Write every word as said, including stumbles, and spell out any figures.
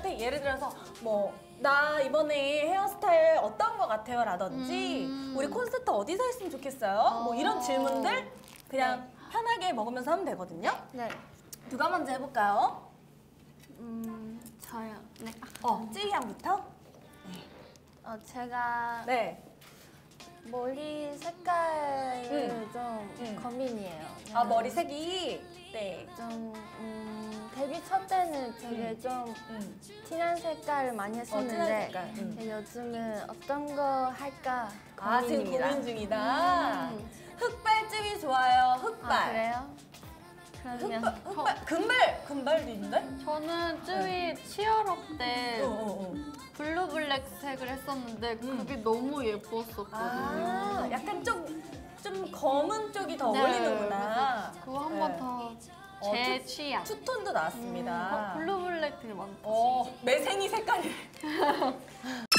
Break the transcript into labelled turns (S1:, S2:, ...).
S1: 선생님한테 예를 들어서 뭐 나 이번에 헤어스타일 어떤 거 같아요? 라든지
S2: 음.
S1: 우리 콘서트 어디서 했으면 좋겠어요?
S2: 어.
S1: 뭐 이런 질문들 그냥 편하게 먹으면서 하면 되거든요.
S2: 네.
S1: 누가 먼저 해볼까요?
S2: 음, 저요. 네.
S1: 어, 쯔이 양부터?
S2: 어, 제가
S1: 네.
S2: 머리 색깔을
S1: 음.
S2: 좀
S1: 음.
S2: 고민이에요.
S1: 아, 머리 색이? 네.
S2: 좀 음, 데뷔 첫 때는 되게
S1: 음.
S2: 좀
S1: 음.
S2: 진한 색깔을 많이
S1: 어, 진한
S2: 했었는데
S1: 색깔. 음.
S2: 근데 요즘은 어떤 거 할까
S1: 아, 지금
S2: 고민입니다.
S1: 고민 중이다.
S2: 음.
S1: 흑발집이 좋아요, 흑발.
S2: 아, 그래요? 그러면
S1: 흑발, 흑발, 금발! 금발도 있는데?
S3: 저는 쯔위 치얼업 때
S1: 어, 어, 어.
S3: 블루 블랙색을 했었는데
S1: 음.
S3: 그게 너무 예뻤었거든요.
S1: 아, 약간 좀, 좀 검은 쪽이 더
S3: 네,
S1: 어울리는구나.
S3: 그래서 그거 한 번
S1: 네.
S3: 더 제
S1: 어, 투-
S3: 취향.
S1: 투톤도 나왔습니다.
S3: 어, 블루 블랙 되게 많다.
S1: 어, 매생이 색깔이.